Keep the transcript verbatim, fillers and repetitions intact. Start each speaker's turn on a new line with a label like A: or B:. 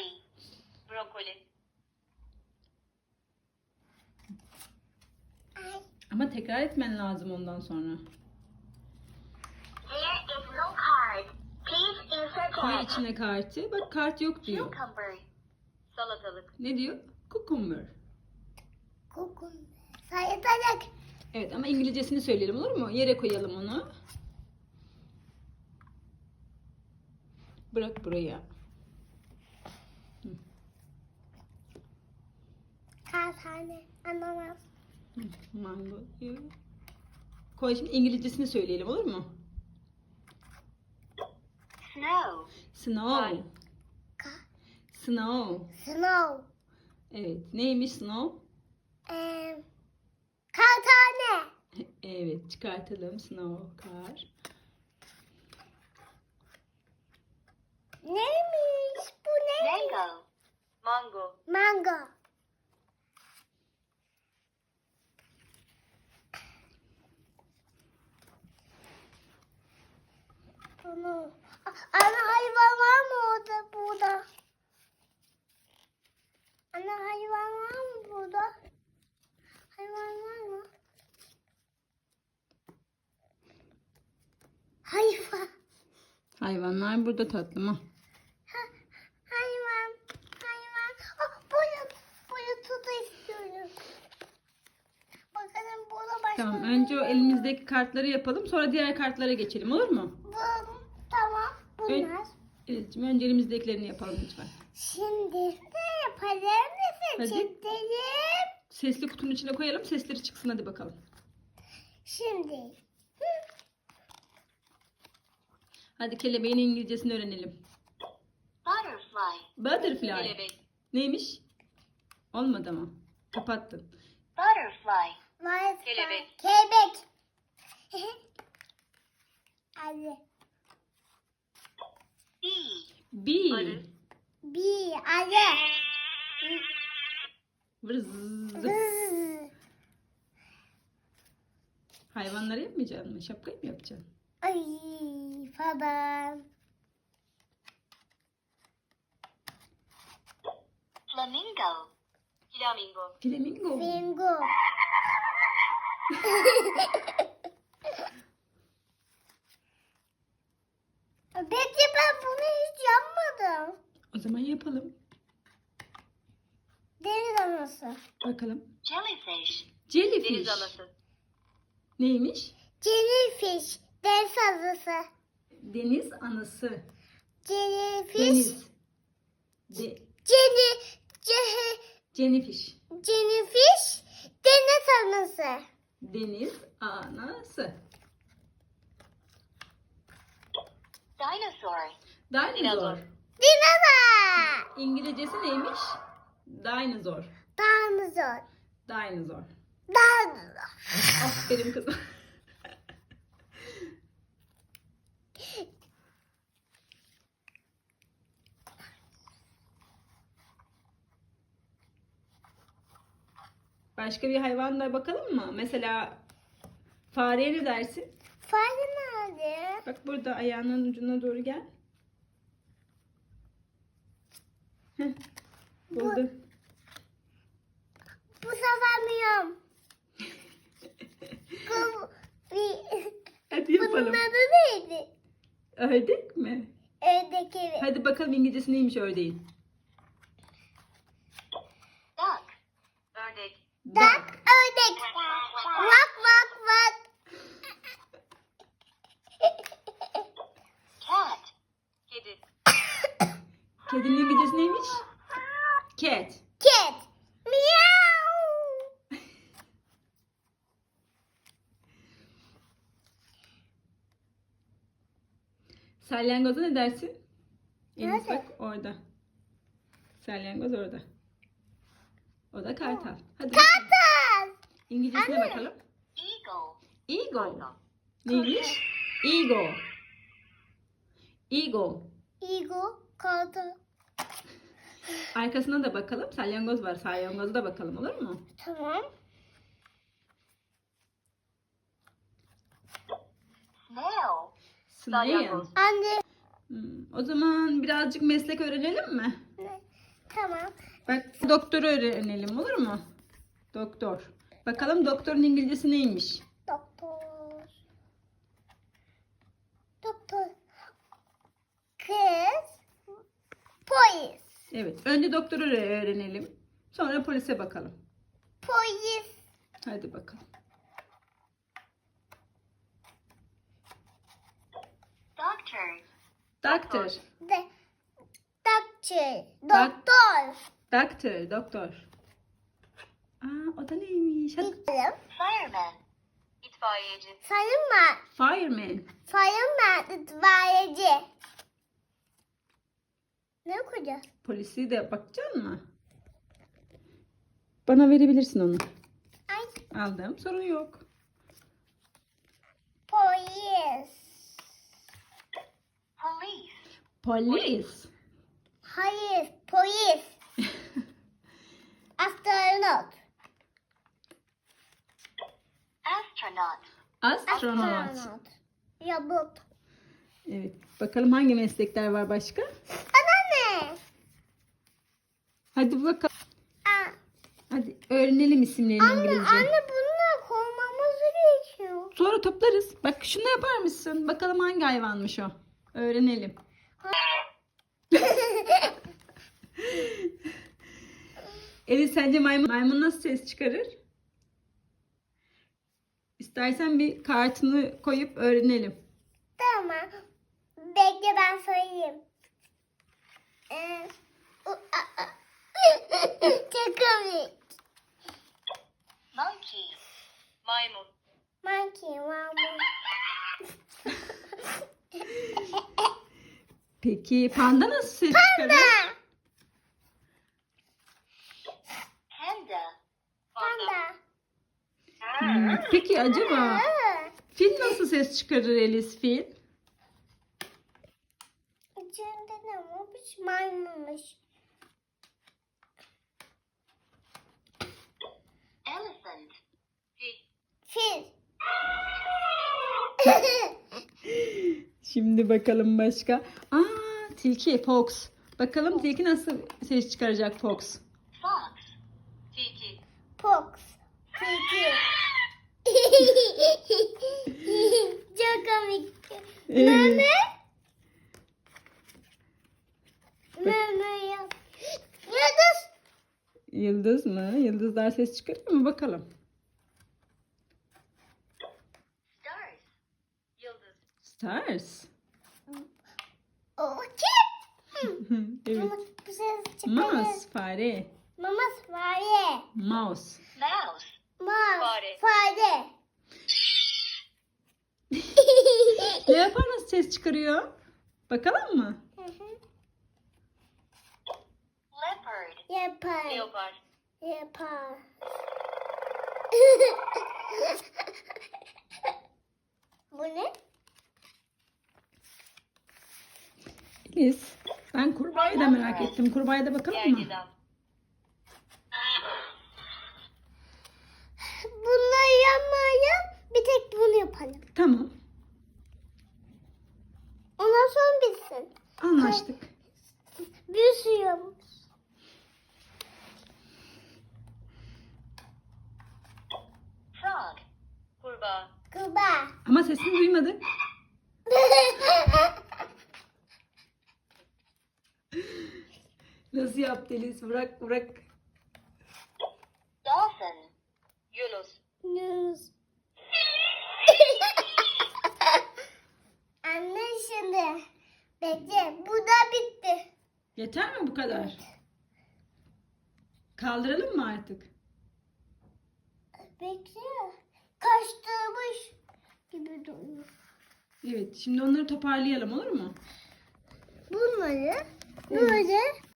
A: Broccoli. Brokoli.
B: Ama tekrar etmen lazım ondan sonra.
A: There is no card. Please insert
B: Koy
A: it.
B: içine kartı. Bak kart yok diyor.
A: Cucumber. Salatalık.
B: Ne diyor? Cucumber.
C: Kokun. Sayılacak.
B: Evet ama İngilizcesini söyleyelim, olur mu? Yere koyalım onu. Bırak buraya.
C: Kaç tane ananas.
B: Mango diyor. Koy, şimdi İngilizcesini söyleyelim, olur mu?
A: Snow.
B: Snow.
C: Ka
B: Snow.
C: Snow.
B: Evet. Neymiş snow?
C: Ee, kaç tane?
B: Evet. Çıkartalım. Snow. Kar.
C: Neymiş? Bu neymiş?
A: Mango. Mango.
C: Mango. Bunu. Ana hayvan var mı orada burada? Ana hayvan var mı burada? Hayvan var mı? Hayvan.
B: Hayvanlar burada tatlım. Ha.
C: Ha, hayvan. Hayvan. Ah, boyut. Boyutu da istiyorum. Bakalım burada başka.
B: Tamam.
C: ne
B: Önce o
C: var?
B: elimizdeki kartları yapalım. Sonra diğer kartlara geçelim, olur mu?
C: Bu, tamam. Bunlar.
B: Evet. Önce elimizdekilerini yapalım lütfen.
C: Şimdi ne yapalım? Ne
B: Hadi.
C: seçelim?
B: Sesli kutunun içine koyalım. Sesleri çıksın, hadi bakalım.
C: Şimdi. Hı.
B: Hadi kelebeğin İngilizcesini öğrenelim.
A: Butterfly.
B: Butterfly.
A: Kelebek.
B: Neymiş? Olmadı ama. Kapattın.
A: Butterfly.
C: Maalesef.
A: Kelebek.
C: Kelebek. Hadi.
A: Bee.
B: Bee.
A: Arı.
C: Bir. Hadi.
B: Vırız.
C: Hız.
B: Hayvanları yapmayacaksın mı? Şapkayı mı yapacaksın?
C: Ay falan.
A: Flamingo. Flamingo.
B: Flamingo.
C: Bingo. Peki ben bunu hiç yapmadım.
B: O zaman yapalım.
C: Deniz anası.
B: Bakalım.
A: Jellyfish.
B: Jellyfish.
A: Deniz anası.
B: Neymiş?
C: Jellyfish. Deniz anası.
B: Deniz anası.
C: Jellyfish.
B: Deniz. De
C: Jenny. Ce-
B: Jennyfish.
C: Jellyfish. Deniz anası.
B: Deniz anası.
A: Dinosaur.
B: Dinozor.
A: Dinozor.
C: Dinozor.
B: İngilizcesi neymiş? Dinozor.
C: Dinozor.
B: Dinozor.
C: Dinozor.
B: Aferin kızım. Başka bir hayvanla bakalım mı? Mesela fareye ne dersin?
C: Fare nerede?
B: Bak burada ayağının ucuna doğru gel. Heh, buldum.
C: Bu sefer miyim? Bu bir...
B: Hadi
C: Bunun
B: yapalım.
C: adı neydi?
B: Ördek mi?
C: Ördek evi.
B: Hadi bakalım İngilizcesi neymiş ördeğin?
A: Duck. Ördek.
C: Dak ördek. Vak vak vak.
A: Cat. Kedi.
B: Kedinin İngilizcesi neymiş? Cat.
C: Cat. Meow.
B: Salyangoza ne dersin? Enes
C: Nerede?
B: bak orada. Salyangoz orada. O da kartal. Hadi bakalım.
C: Kartal.
B: İngilizcesine
C: Anne.
B: bakalım.
A: Eagle.
B: Eagle.
A: Kartal.
B: Neymiş? Eagle. Eagle.
C: Eagle. Kartal.
B: Arkasına da bakalım. Salyangoz var. Salyangoza da bakalım, olur mu?
C: Tamam.
A: Snail.
B: Snail.
A: Salyangoz.
C: Anne.
B: Hmm, o zaman birazcık meslek öğrenelim mi?
C: Ne? Tamam.
B: Bak doktoru öğrenelim olur mu? Doktor. Bakalım doktorun İngilizcesi neymiş?
C: Doktor. Doktor. Kız. Polis.
B: Evet. Önce doktoru öğrenelim. Sonra polise bakalım.
C: Polis.
B: Hadi bakalım.
A: Doctor.
B: Doctor.
C: De, doktor. Doktor.
B: Doctor. Doktor. Aa, o da neymiş? Hadi.
C: Gidelim.
A: Fireman. İtfaiyeci.
C: Sayınma.
B: Fireman.
C: Sayınma itfaiyeci. Ne okuyacağız?
B: Polisi de bakacak mı? Bana verebilirsin onu.
C: Ay.
B: Aldım. Sorun yok.
C: Polis.
A: Police.
B: Polis.
C: Hayır. Polis. Astronot.
A: Astronaut.
B: Astronot.
C: Robot.
B: Evet. Bakalım hangi meslekler var başka?
C: Ana ne?
B: Hadi bakalım.
C: Aa,
B: Hadi öğrenelim isimlerini
C: anne,
B: İngilizce.
C: anne bununla koymamız gerekiyor.
B: Sonra toplarız. Bak şunu yapar mısın? Bakalım hangi hayvanmış o. Öğrenelim. Elif sence maymun, maymun nasıl ses çıkarır? İstersen bir kartını koyup öğrenelim.
C: Tamam. Bekle ben söyleyeyim. Ee, u- a- a- Çok komik.
A: Monkey. Maymun.
C: Monkey, mama.
B: Peki panda nasıl ses çıkarır?
A: Panda.
C: Panda.
B: Hmm, Peki acaba
C: Aa,
B: fil nasıl ses çıkarır Elis fil?
C: İçinde ne olmuş? Maymunmuş.
A: Elephant. Fil.
C: Fil.
B: Şimdi bakalım başka. Aa, tilki fox. Bakalım tilki nasıl ses çıkaracak fox?
A: Fox. Tilki.
C: Fox. Tilki. Çok komik.
B: Evet.
C: Meme. Meme yap. Yıldız.
B: Yıldız mı? Yıldızlar ses çıkarıyor mu? Bakalım.
A: Stars. Yıldız.
B: Stars.
C: O kim?
B: Evet.
C: Mama bu ses çıkarır.
B: Mouse, fare.
C: Mama fare.
B: Mouse.
A: Mouse.
C: Mouse.
A: Fare.
C: Fare.
B: Leopar nasıl ses çıkarıyor? Bakalım mı?
C: Hı hı.
A: Leopard.
C: Yapar.
A: Leopard.
C: Yapar. Bu ne?
B: Elis, ben kurbağayı da merak ettim. Kurbağaya da bakalım mı?
A: Gergedan.
C: Bunları yapmayalım. Bir tek bunu yapalım.
B: Tamam.
C: Ondan sonra bitsin.
B: Anlaştık.
C: Bir sürü yapmış.
A: Frog. Kurbağa.
C: Kurbağa.
B: Ama sesini duymadık. Nasıl yaptı Elis? Bırak bırak.
A: Dolphin. Yunus.
C: News. Anne şimdi. Bekle. Bu da bitti.
B: Yeter mi bu kadar? Kaldıralım mı artık?
C: Bekle. Kaçtırmış gibi duruyor.
B: Evet. Şimdi onları toparlayalım olur mu?
C: Bunları böyle